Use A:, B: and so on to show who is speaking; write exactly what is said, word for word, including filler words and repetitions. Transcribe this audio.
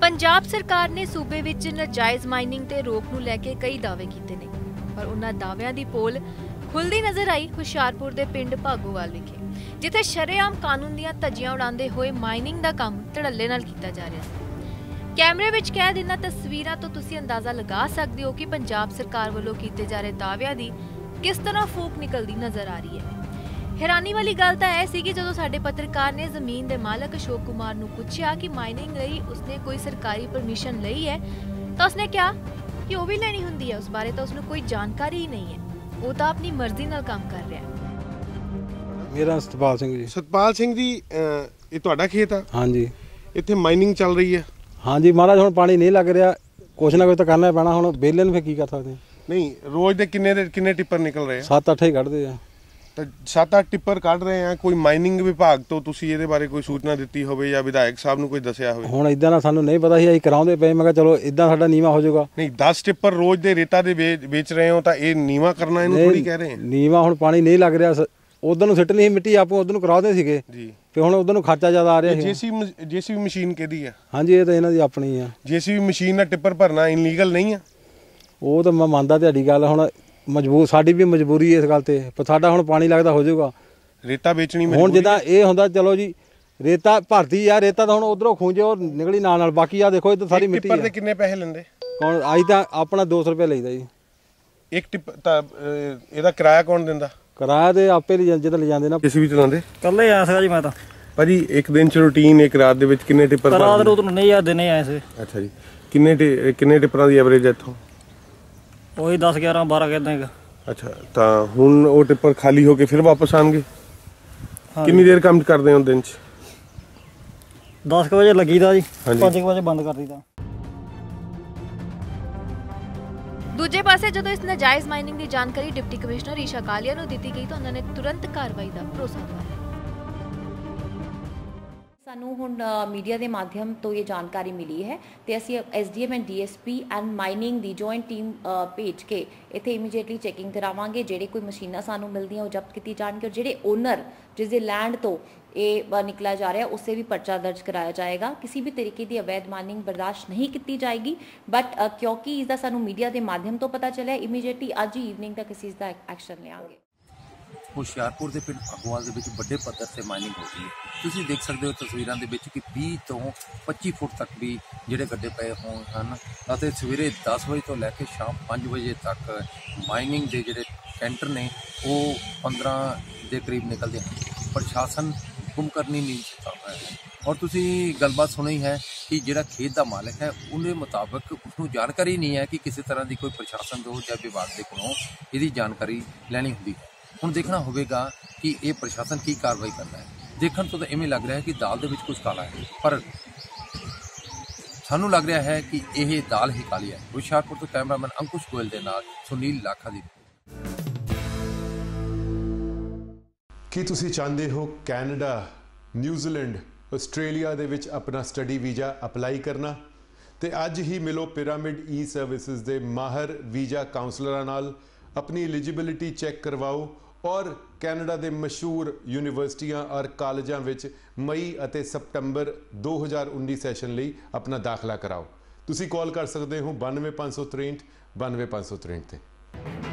A: पंजाब सरकार ने सूबे विच नाजायज़ माइनिंग ते रोक नूं लैके कई दावे कीते ने, पर उन्हां दाविआं दी पोल खुलदी नज़र आई हुशियारपुर दे पिंड भागोवाल विखे, जिथे शरेआम कानून दीआं धज्जियां उड़ांदे होए माइनिंग दा काम धड़ल्ले नाल कीता जा रिहा सी। कैमरे विच कैद इन्हां तस्वीरां तो तुसीं अंदाज़ा लगा सकदे हो कि पंजाब सरकार वल्लों कीते जा रहे दाविआं दी किस तरह फूक निकलदी नज़र आ रही है। हैरानी वाली गल तां यह सी कि जदों साडे पत्रकार ने जमीन दे मालक अशोक कुमार नूं पुछया कि माइनिंग लई उसने कोई सरकारी परमिशन लई है, तो उसने कहा कि वो भी लेनी हुंदी है, उस बारे तो उसनूं कोई जानकारी ही नहीं है, वो तो अपनी मर्जी नाल काम कर रहा है।
B: मेरा सतपाल सिंह जी।
C: सतपाल सिंह जी, ये तुहाडा खेत है?
B: हाँ जी।
C: इत्थे माइनिंग चल रही है?
B: हाँ जी महाराज, हुण पानी नहीं लग रहा, कुछ ना कुछ तो करना पैना, हुण बेले नूं फिर की कर सकते हैं।
C: नहीं, रोज दे किन्ने दे किन्ने टिप्पर निकल रहे हैं?
B: सत्त अठ ही कढ़दे आ।
C: तो सत्त अठ टिप्पर कढ़ रहे हैं, कोई माइनिंग विभाग तो तुसीं इहदे बारे कोई सूचना दित्ती होवे या विधायक साहब नूं कोई दस्सिया होवे?
B: हुण इदां ना सानूं नहीं पता सी, ਅਸੀਂ ਕਰਾਉਂਦੇ ਪਏ, मैं कहा चलो इदां साडा नीवा हो जाऊगा।
C: नहीं, दस टिप्पर रोज दे रेता दे बेच रहे हो तो ये नीवा करना इहनूं थोड़ी कह रहे हैं।
B: नीवा हुण पानी नहीं लग रहा, उधर ਨੂੰ ਸਿੱਟਣੀ ਸੀ ਮਿੱਟੀ, ਆਪੋ ਉਧਰ ਨੂੰ ਕਰਾਉਂਦੇ ਸੀਗੇ
C: ਜੀ,
B: ਫਿਰ ਹੁਣ ਉਧਰ ਨੂੰ ਖਰਚਾ ਜ਼ਿਆਦਾ ਆ ਰਿਹਾ ਸੀ।
C: ਜੇਸੀਬੀ ਜੇਸੀਬੀ ਮਸ਼ੀਨ ਕਿਹਦੀ ਆ?
B: ਹਾਂਜੀ, ਇਹ ਤਾਂ ਇਹਨਾਂ ਦੀ ਆਪਣੀ ਆ।
C: ਜੇਸੀਬੀ ਮਸ਼ੀਨ ਨਾਲ ਟਿੱਪਰ ਭਰਨਾ ਇਨਲੀਗਲ ਨਹੀਂ ਆ?
B: ਉਹ ਤਾਂ ਮੈਂ ਮੰਨਦਾ ਤੁਹਾਡੀ ਗੱਲ, ਹੁਣ ਮਜਬੂਰ ਸਾਡੀ ਵੀ ਮਜਬੂਰੀ ਇਸ ਗੱਲ ਤੇ, ਪਰ ਸਾਡਾ ਹੁਣ ਪਾਣੀ ਲੱਗਦਾ ਹੋ ਜਾਊਗਾ।
C: ਰੇਤਾ ਵੇਚਣੀ
B: ਹੁਣ ਜਿੱਦਾਂ ਇਹ ਹੁੰਦਾ, ਚਲੋ ਜੀ ਰੇਤਾ ਭਰਤੀ ਆ, ਰੇਤਾ ਤਾਂ ਹੁਣ ਉਧਰੋਂ ਖੂੰਜੇ ਉਹ ਨਿਕਲੀ ਨਾਲ ਨਾਲ, ਬਾਕੀ ਆ ਦੇਖੋ ਇੱਧਰ ਸਾਰੀ ਮਿੱਟੀ ਆ।
C: ਟਿੱਪਰ ਦੇ ਕਿੰਨੇ ਪੈਸੇ ਲੈਂਦੇ?
B: ਹੁਣ ਅੱਜ ਤਾਂ ਆਪਣਾ ਦੋ ਸੌ ਰੁਪਏ ਲਈਦਾ ਜੀ
C: ਇੱਕ ਟਿੱਪ ਤਾਂ। ਇਹਦਾ ਕਿਰਾਇਆ ਕੌਣ ਦਿੰਦਾ? ਕਿਰਾਇਆ
B: ਤੇ ਆਪੇ ਜਿੱਦਾਂ ਲੈ ਜਾਂਦੇ ਨਾ।
C: ਕਿਸੇ ਵੀ ਚਲਾਉਂਦੇ?
D: ਕੱਲੇ ਆਇਆ ਸੀਗਾ ਜੀ ਮੈਂ ਤਾਂ।
C: ਭਾਜੀ ਇੱਕ ਦਿਨ ਚ ਰੂਟੀਨ, ਇੱਕ ਰਾਤ ਦੇ ਵਿੱਚ ਕਿੰਨੇ ਟਿੱਪਰ?
D: ਰਾਤ ਨੂੰ ਤਾਂ ਨਹੀਂ ਯਾਰ, ਦਿਨੇ ਆਏ ਸੀ।
C: ਅੱਛਾ ਜੀ, ਕਿੰਨੇ ਕਿੰਨੇ ਟਿੱਪਰਾਂ ਦੀ ਐਵਰੇਜ ਹੈ ਇੱਥੋਂ?
D: ਉਹੀ ਦਸ ਗਿਆਰਾਂ ਬਾਰਾਂ ਕਿੱਦਾਂ ਹੈਗਾ।
C: ਅੱਛਾ, ਤਾਂ ਹੁਣ ਉਹ ਟਿੱਪਰ ਖਾਲੀ ਹੋ ਕੇ ਫਿਰ ਵਾਪਸ ਆਣਗੇ? ਕਿੰਨੀ ਦੇਰ ਕੰਮ ਕਰਦੇ ਹੋ ਦਿਨ ਚ?
D: ਦਸ ਕੁ ਵਜੇ ਲੱਗੀਦਾ ਜੀ, ਪੰਜ ਕੁ ਵਜੇ ਬੰਦ ਕਰ ਦਈਦਾ।
A: दूजे पासे जदों इस नाजायज़ माइनिंग की जानकारी डिप्टी कमिश्नर ईशा कालिया नूं दित्ती गई तो उन्होंने तुरंत कार्रवाई का भरोसा दिलाया।
E: सानू हुण मीडिया के माध्यम तो ये जानकारी मिली है तो असी S D M and D S P and mining की जॉइंट टीम भेज के इत्थे इमीडिएटली चैकिंग करावांगे। जिहड़े कोई मशीनां सानू मिलदियां वो जब्त की जाणगे और जिहड़े ओनर जिस दे लैंड तो ये निकला जा रहा है उससे भी पर्चा दर्ज कराया जाएगा। किसी भी तरीके की अवैध माइनिंग बर्दाश्त नहीं की जाएगी, बट क्योंकि इसका सानू मीडिया के माध्यम तो पता चलिया, इमीडिएटली अज ही इवनिंग तक इस चीज़ का एक्शन लेंगे।
F: ਹੁਸ਼ਿਆਰਪੁਰ ਦੇ ਪਿੰਡ ਭਾਗੋਵਾਲ ਦੇ ਵਿੱਚ ਵੱਡੇ ਪੱਧਰ ਤੇ ਮਾਈਨਿੰਗ ਹੋ ਰਹੀ ਹੈ। ਤੁਸੀਂ ਦੇਖ ਸਕਦੇ ਹੋ ਤਸਵੀਰਾਂ ਦੇ ਵਿੱਚ ਕਿ ਵੀਹ ਤੋਂ ਪੱਚੀ ਫੁੱਟ ਤੱਕ ਵੀ ਜਿਹੜੇ ਗੱਡੇ ਪਏ ਹੋਏ ਹਨ ਅਤੇ ਸਵੇਰੇ ਦਸ ਵਜੇ ਤੋਂ ਲੈ ਕੇ ਸ਼ਾਮ ਪੰਜ ਵਜੇ ਤੱਕ ਮਾਈਨਿੰਗ ਦੇ ਜਿਹੜੇ ਕੈਂਟਰ ਨੇ ਉਹ ਪੰਦਰਾਂ ਦੇ ਕਰੀਬ ਨਿਕਲਦੇ ਹਨ। ਪ੍ਰਸ਼ਾਸਨ ਹੁਕਮ ਕਰਨੀ ਨਹੀਂ ਚਾਹੁੰਦਾ ਹੈ ਔਰ ਤੁਸੀਂ ਗੱਲਬਾਤ ਸੁਣੀ ਹੈ ਕਿ ਜਿਹੜਾ ਖੇਤ ਦਾ ਮਾਲਕ ਹੈ ਉਹਦੇ ਮੁਤਾਬਕ ਉਸਨੂੰ ਜਾਣਕਾਰੀ ਨਹੀਂ ਹੈ ਕਿ ਕਿਸੇ ਤਰ੍ਹਾਂ ਦੀ ਕੋਈ ਪ੍ਰਸ਼ਾਸਨ ਤੋਂ ਜਾਂ ਵਿਭਾਗ ਦੇ ਕੋਲੋਂ ਇਹਦੀ ਜਾਣਕਾਰੀ ਲੈਣੀ ਹੁੰਦੀ ਹੈ। ਹੁਣ ਦੇਖਣਾ ਹੋਵੇਗਾ ਕਿ ਇਹ ਪ੍ਰਸ਼ਾਸਨ ਕੀ ਕਾਰਵਾਈ ਕਰਦਾ ਹੈ। ਦੇਖਣ ਤੋਂ ਤਾਂ ਇਵੇਂ ਲੱਗ ਰਿਹਾ ਹੈ ਕਿ ਦਾਲ ਦੇ ਵਿੱਚ ਕੁਝ ਕਾਲਾ ਹੈ, ਪਰ ਸਾਨੂੰ ਲੱਗ ਰਿਹਾ ਹੈ ਕਿ ਇਹ ਦਾਲ ਹੀ ਕਾਲੀ ਹੈ। ਹੁਸ਼ਿਆਰਪੁਰ ਤੋਂ ਕੈਮਰਾਮੈਨ ਅੰਕੁਸ਼ ਗੋਇਲ ਦੇ ਨਾਲ ਸੁਨੀਲ ਲਾਖਾ ਦੀ।
G: ਕੀ ਤੁਸੀਂ ਚਾਹੁੰਦੇ ਹੋ ਕੈਨੇਡਾ, ਨਿਊਜ਼ੀਲੈਂਡ, ਆਸਟ੍ਰੇਲੀਆ ਦੇ ਵਿੱਚ ਆਪਣਾ ਸਟੱਡੀ ਵੀਜ਼ਾ ਅਪਲਾਈ ਕਰਨਾ? ਤੇ ਅੱਜ ਹੀ ਮਿਲੋ ਪਿਰਾਮਿਡ ਈ ਸਰਵਿਸਿਜ਼ ਦੇ ਮਾਹਰ ਵੀਜ਼ਾ ਕਾਉਂਸਲਰਾਂ ਨਾਲ, अपनी एलिजिबिलिटी चैक करवाओ और कैनेडा के मशहूर यूनिवर्सिटियां और कालजां विच मई और सप्टंबर दो हज़ार उन्नीस सैशन लई अपना दाखला कराओ। तुसी कॉल कर सकते हो बानवे पाँच सौ त्रेंठ बानवे पाँच सौ त्रेंठ ते।